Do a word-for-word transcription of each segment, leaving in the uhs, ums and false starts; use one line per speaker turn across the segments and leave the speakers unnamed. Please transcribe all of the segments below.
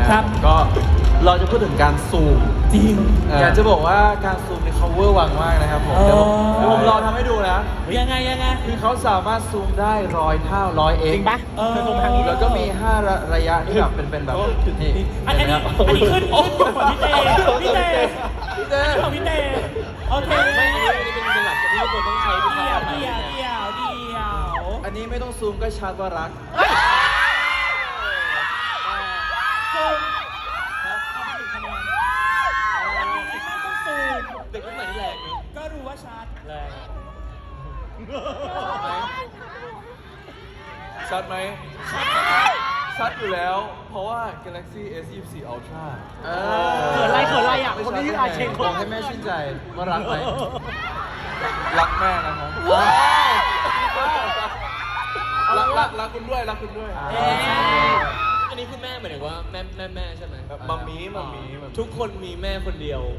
ครับก็เราจะพูดถึงการซูม
จริง
อยากจะบอกว่าการซูมใน cover วังมากนะครับผม
เออ
เดี๋ยวผมเดี๋ยวผมลองทำให้ดูนะ
ยังไงยังไง
คือเขาสามารถซูมได้ร้อยเท่าร้อยเอ็ก
จริงปะเออซูมทางนี้
แล้วก็มีห้าระระยะที่แบบเป็นเป็นแบบนี่
อันนี้
เห็ไหมครับ
อันนี้ขึ้นขึ้นอยู่ของพี่เต้พี่เต้
พี่เต้
อันนี้ของพี่เต้โอเค
ไม่อันนี้อันนี้เป็นเป็นหลักที่ทุกคนต้องใช้ทุกค
เดี่ย
รั้
ว
ง
เดี่ยวเดี่ยวเดี่ยว
อันนี้ไม่ต้องซูมก็ชัดว่ารัก
ซูมครับเอาไปหนึ่งคะแนนอันนี้ไม่ต้องซูม
เด็กรุ่นใหม่นี่แรงนี่
ก็รู้ว่าชัด
แรง
ชัดไหมชัดอยู่แล้ว เพราะว่า Galaxy เอส ยี่สิบสี่ Ultra
เขินไรเขินไรอ่ะ
ไม่
คน
ชัด
ที่ชื่ออาเชง
บอกให้แม่ชื่นใจว่ารักไหมรักแม่นะครับรักรักรักคุณด้วยรักคุณด้วย
เอ๊ะ
อันนี้คือแม่หมายถึงว่าแม่แม่แม่ใช่ไหม
มัมมี่มัมมี่มัม
ทุกคนมีแม่คนเดียว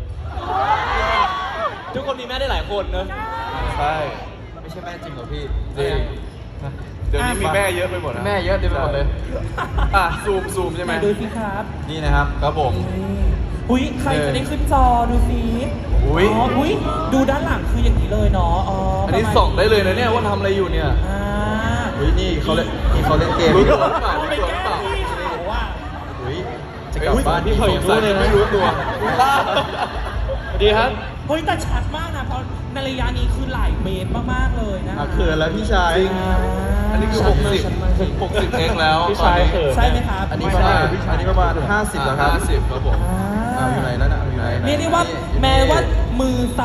ทุกคนมีแม่ได้หลายคนเนอะ
ใช่ไม่ใช่แม่จริงเหรอพี่
จริง
เดี๋ยวนี้มีแม่เยอะไปหมดแม่เยอะเต็มไปหมดเลยอ่ะซูมซูมใช่ไหม
ดูสิครับ
นี่นะครับครับผม
อุ้ยใครจะได้ขึ้นจอดูสิ
อุ๊ย
อ๋ออุ้ยดูด้านหลังคืออย่างนี้เลยเนาะอ๋อ
อั
อั
นนี้ส่องได้เลยนะเนี่ยว่าทำอะไรอยู่เนี่ย
อ่า
อุ้ยนี่เขาเล่นนี่เขาเล่นเกม
รู้
รู้
ตั
ตัว ว
หรือเปล่า
เป็นแก้วที่เขาว่า
อุ้ยจะกลับบ้าน
พี่เผย
สงสัย
รู้เลยนะ
ไม่รู้ตัว
สวัสดีครับ
เฮ้ยแต่ชัดมากนะเพราะในระยะนี้คือหลายเมตรมากๆเลยนะ
อ่ะเขินแล้วพี่ชาย
อ่า
อันนี้คือหกสิบหกสิบเองแล้ว
พี่ชายเขิน
ใช่ไหมครับ
อันนี้ประมาณอันนี้ประมาณห้าสิบแล้วครับห้าสิบครับผม
อ่า
อ่าอยู่ไหนแล้วนะอยู่ไหน
เรียกได้ว่าแม้ว่ามือ